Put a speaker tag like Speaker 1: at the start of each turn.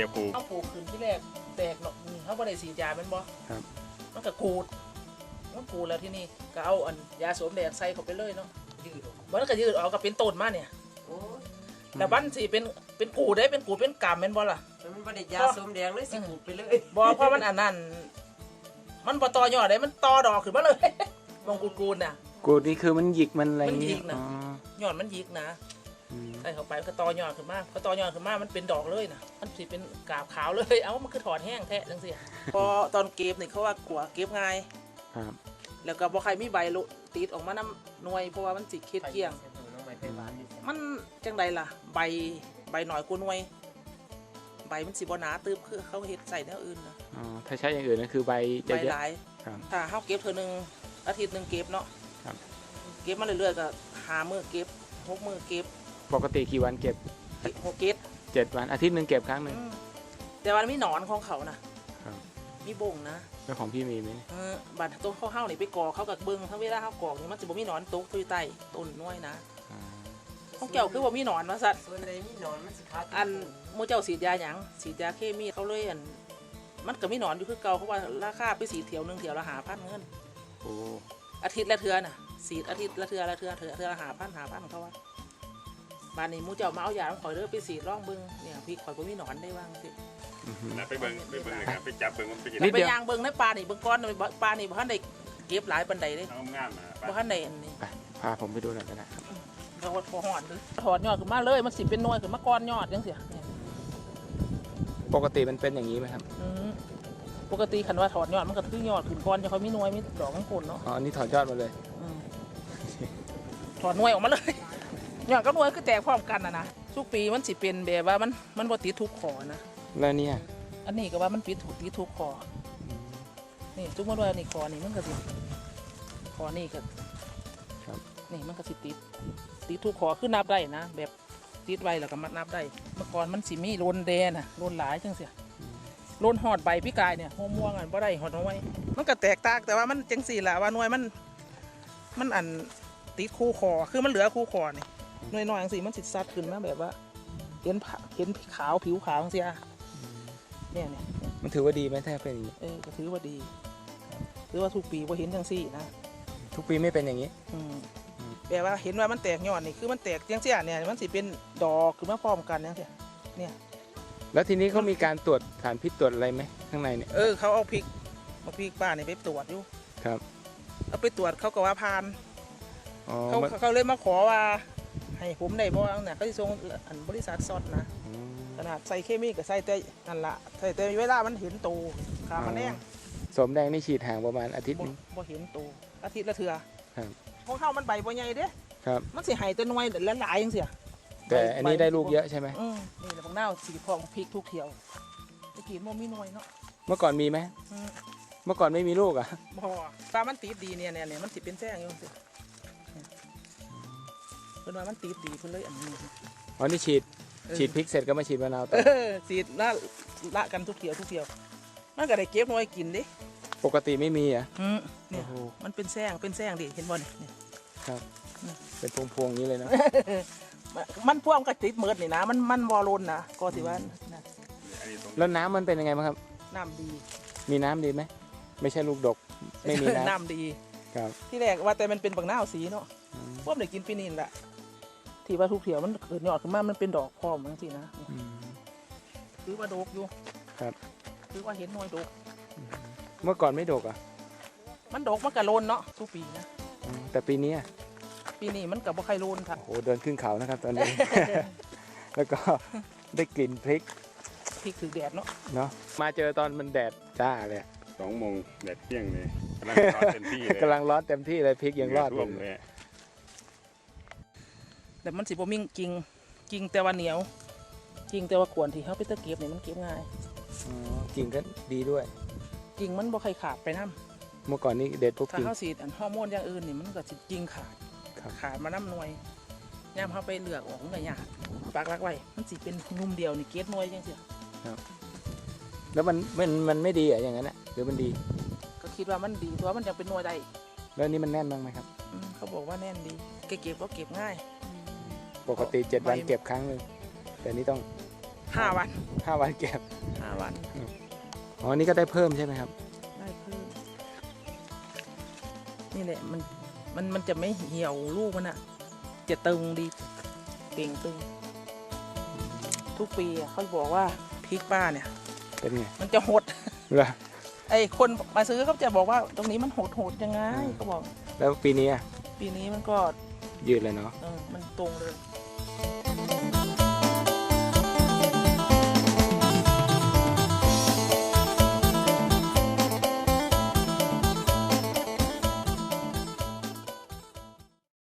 Speaker 1: จะปลูก
Speaker 2: เอาปลูกขึ้นที่แรกแตกเนาะเขาบ่ได้ฉีดยาเป็นบ่
Speaker 3: ครับ
Speaker 2: มันก็กูดแล้วที่นี่ก็เอาอันยาสวมแดงใส่เข้าไปเลยเนาะมันก็ยืดออกก็เป็นต้นมาเนี่ยแต่บ้านสิเป็นกูดได้เป็นกูดเป็นกำเป็นบ่ล่ะ
Speaker 4: มันบ่ได้ยาสวมแดงเลยสิกูดไปเลย
Speaker 2: บ่เพราะมันอันนั้นมันบ่ต่อยอดได้มันต่อดอกขึ้นมาเลยมองกูดน่ะ
Speaker 3: กูนี่คือมันหยิกมันอะไร
Speaker 2: มันหยิกนะยอดมันหยิกนะใส่เข้าไปก็ต่อยอดขึ้นมาพอต่อยอดขึ้นมามันเป็นดอกเลยนะมันสิเป็นกาบขาวเลยเอ้ามันคือถอดแห้งแท้จังซี่พอตอนเก็บนี่เขาว่ากลัวเก็บง่าย
Speaker 3: ครับ
Speaker 2: แล้วก็บ่ใครมีใบติดออกมาน้ำหน่วยเพราะว่ามันสิเคล็ดเกลี้ยงมันจังใดล่ะใบหน่อยกว่าหน่วยใบมันสิบ่หนาตึบคือเขาเฮ็ดใส่แนวอื่นนะ
Speaker 3: อ๋อถ้าใช้อย่างอื่นนั่นคือใบจะเยอะ
Speaker 2: หลายถ้าเฮาเก็บเทื่อนึงอาทิตย์นึงเก็บเนาะเก็บมาเรื่อยๆก็5 มื้อเก็บ6 มื้อเก็บ
Speaker 3: ปกติกี่วันเก็บ
Speaker 2: 6 เก็บ
Speaker 3: 7 วันอาทิตย์นึงเก็บครั้งนึง
Speaker 2: แต่วันมีหนอนของเขานะมีบ่งนะ
Speaker 3: แล้วของพี่มีไหม
Speaker 2: บัดต้นข้าวนี่ไปกอกเขากับเบิ้งทั้งเวลาเขากอกนี่มันจะบ่มีหนอนตกอยู่ใต้ต้นน้อยนะของเจ้าคือบ่มีหนอนว่าสัตว์
Speaker 4: ส่วนใดมีหนอนมันสิขาด
Speaker 2: อันหมู่เจ้าฉีดยาหยังฉีดยาเคมีเขาเลยอันมันก็มีหนอนอยู่คือเก่าเพราะว่าราคาไป4 เที่ยวนึงเที่ยวละ5,000เงิน
Speaker 3: โอ้
Speaker 2: อาทิตย์ละเทื่อน่ะฉีดอาทิตย์ละเทื่อละ5,000เขาว่าบ้านนี้หมู่เจ้ามาเอายาข่อยเด้อไปฉีดร่องเบิ่งเนี่ยพี่ข่อยบ่มีหนอนได้ว่างสิ
Speaker 1: ไปเบิ่งนะครับไปจับเบิ่งมันเป็นยัง
Speaker 2: ไงไปย่างเบิ่งในปลานี่เบิ่งก้อนปลานี่บ่ทันได้เก็บหลายปานใดเด้
Speaker 1: งามนะ
Speaker 2: บ่ทันได้อันนี้
Speaker 3: พาผมไปดูหน่อยก็ได้
Speaker 2: เราพอหอดถอดยอดขึ้นมาเลยมันสิเป็นหน่วยขึ้นมาก้อนยอดจังซี่
Speaker 3: ปกติมันเป็นอย่างนี้ไหมครับ
Speaker 2: ปกติคันว่าถอดยอดมันก็คือยอดขึ้นก้อนจะเขามีหน่วยมีดอกข้างบนเนาะ
Speaker 3: อ๋อนี่ถอดยอดมาเลย
Speaker 2: ถอดหน่วยออกมาเลยยอดกับหน่วยคือแตกพร้อมกันนะทุกปีมันสิเป็นแบบว่ามันบ่ติดทุกขอนะ
Speaker 3: แล้วเนี่ย
Speaker 2: อันนี้ก็ว่ามันติดทุกขอนี่ทุกมื้อว่านี่ขอนี่มันก็สิขอนี่ก็นี่มันก็สิติดทุกขอคือนับได้นะแบบติดไว้แล้วก็มัดนับได้เมื่อก่อนมันสิมีโลนแดงน่ะโลนหลายจังซี่โลนหอดใบพี่กายเนี่ยหัวม่วงอันบ่ได้หอดเอาไว้มันก็แตกต่างแต่ว่ามันจังซี่ล่ะว่าหน่วยมันอันติดคู่คอคือมันเหลือคู่คอนี่หน่วยน้อยจังซี่มันสิซัดขึ้นมาแบบว่าเห็นขาวผิวขาวจังซี่เนี่ย
Speaker 3: มันถือว่าดีไหมถ้าเป็นอย่างนี้
Speaker 2: ก็ถือว่าดีถือว่าทุกปีบ่เห็นจังซี่นะ
Speaker 3: ทุกปีไม่เป็นอย่างนี้
Speaker 2: แปลว่าเห็นว่ามันแตกยอดนี่คือมันแตกจังซี่เนี่ยมันสิเป็นดอกขึ้นมาพร้อมกันจังซี่เนี่ย
Speaker 3: แล้วทีนี้เขามีการตรวจสารพิษตรวจอะไรไหมข้างในเนี่ย
Speaker 2: เขาเอาพริกป้านี่ไปตรวจอยู่
Speaker 3: ครับ
Speaker 2: เอาไปตรวจเขาก็ว่าผ่านเขาเลยมาขอว่าให้ผมได้บ่เนี่ยเขาสิส่งอันบริษัทซอดนะขนาดใส่เคมีก็ใส่แต่นั่นละใส่แต่เวลามันเห็นโตขามันแดง
Speaker 3: สมแดงนี่ฉีดห่างประมาณอาทิตย์นึง
Speaker 2: บ่เห็นโตอาทิตย์ละเทื่อ
Speaker 3: ครับ
Speaker 2: พวกเฮามันใบบ่ใหญ่เด้
Speaker 3: ครับ
Speaker 2: มันสิให้แต่หน่วยหลายๆจังซี่
Speaker 3: แต่อันนี้ได้ลูกเยอะใช่ไหม
Speaker 2: นี่แหละบางหน้าสีทองพริกทุกเที่ยวตะกี้มันมีหน่วยเนาะ
Speaker 3: เมื่อก่อนมีไหมเมื่อก่อนไม่มีลูกอ่ะ
Speaker 2: บ่ปลามันติดดีเนี่ยมันสิเป็นแซงอยู่สิเพิ่นว่ามันติดดีเพิ่นเลยอันนี้
Speaker 3: อ๋อนี่ฉีดพริกเสร็จก็มาฉีดมะนาวต่อ
Speaker 2: ฉีดละกันทุกเที่ยวมันก็ได้เก็บหน่วยกินดิ
Speaker 3: ปกติไม่มีอ่ะ
Speaker 2: เนี่ยมันเป็นแซงดิเห็นบ่เนี่ย
Speaker 3: ครับเป็นพวงๆอย่างนี้เลยนะ
Speaker 2: มันพ่วงกับติดเมิดนี่นะมันวอลลุ่นนะก็สิว่า
Speaker 3: แล้วน้ำมันเป็นยังไงบ้างครับ
Speaker 2: น้ำดี
Speaker 3: มีน้ำดีไหมไม่ใช่ลูกดกไม่มี
Speaker 2: น้ำดี
Speaker 3: ครับ
Speaker 2: ที่แรกว่าแต่มันเป็นบักหน้าสีเนาะพวกเด็กกินปีนี้แหละที่ว่าทุกเถียวมันเกิดยอดขึ้นมามันเป็นดอกพร้อมจังซี่นะคือว่าดกอยู่
Speaker 3: ครับ
Speaker 2: คือว่าเห็นน้อยดก
Speaker 3: เมื่อก่อนไม่ดกอ่ะ
Speaker 2: มันดกมันกะโลนเนาะทุกปีนะ
Speaker 3: แต่ปีนี้
Speaker 2: มันกับบ่ใครโลนค่ะ
Speaker 3: โอ้เดินขึ้นเขานะครับตอนนี้ แล้วก็ได้กลิ่นพริก
Speaker 2: ถือแดดเ
Speaker 3: นาะมาเจอตอนมันแดดจ้าเลย
Speaker 1: 2 โมงแดดเปรี้ยงเลยกำลังร้อนเต็มที่เลย
Speaker 3: กำลังร้อนเต็มที่เลยพริกยังรอด
Speaker 1: เลย
Speaker 2: แต่มันสิบ่มิ่งจริงแต่ว่าเหนียวจริงแต่ว่าขวนที่เขาไปตะเก็บเนี่ยมันเก็บง่าย
Speaker 3: จริงก็ดีด้วย
Speaker 2: จริงมันบ่ใครขาดไปน้
Speaker 3: ำเมื่อก่อนนี้เด็ดพวก
Speaker 2: ถ้าเขาฉีดฮอร์โมนอย่างอื่นนี่มันก็สิจริงขาดมาน้ำหน่วยย่ำเขาไปเลือกออกมันก็ยากปากรักไว้มันสิเป็นนุ่มเดียวนี่เกล็ดหน่วยจังซี่
Speaker 3: ครับแล้วมันไม่ดีอ่ะอย่างนั้นอ่ะหรือมันดี
Speaker 2: ก็คิดว่ามันดีเพราะว่ามันยังเป็นหน่วยได้
Speaker 3: แล้วนี่มันแน่นบ้างไหมครับ
Speaker 2: เขาบอกว่าแน่นดีเก็บก็เก็บง่าย
Speaker 3: ปกติ7 วันเก็บครั้งนึงแต่นี่ต้อง
Speaker 2: 5 วัน
Speaker 3: 5 วันเก็บ
Speaker 2: 5 วัน
Speaker 3: อ๋อนี่ก็ได้เพิ่มใช่ไหมครับ
Speaker 2: ได้เพิ่มนี่แหละมันจะไม่เหี่ยวลูกมันอะจะตึงดีเก่งตึง ทุกปีอะเขาบอกว่าพริกป้าเนี่ย
Speaker 3: เป็นไง
Speaker 2: มันจะหด
Speaker 3: เหรอ
Speaker 2: ไอ้คนมาซื้อเขาจะบอกว่าตรงนี้มันโหดยังไงเขาบอก
Speaker 3: แล้วปีนี้อะ
Speaker 2: ปีนี้มันก็
Speaker 3: ยืดเลยเนาะ
Speaker 2: มันตรงเลย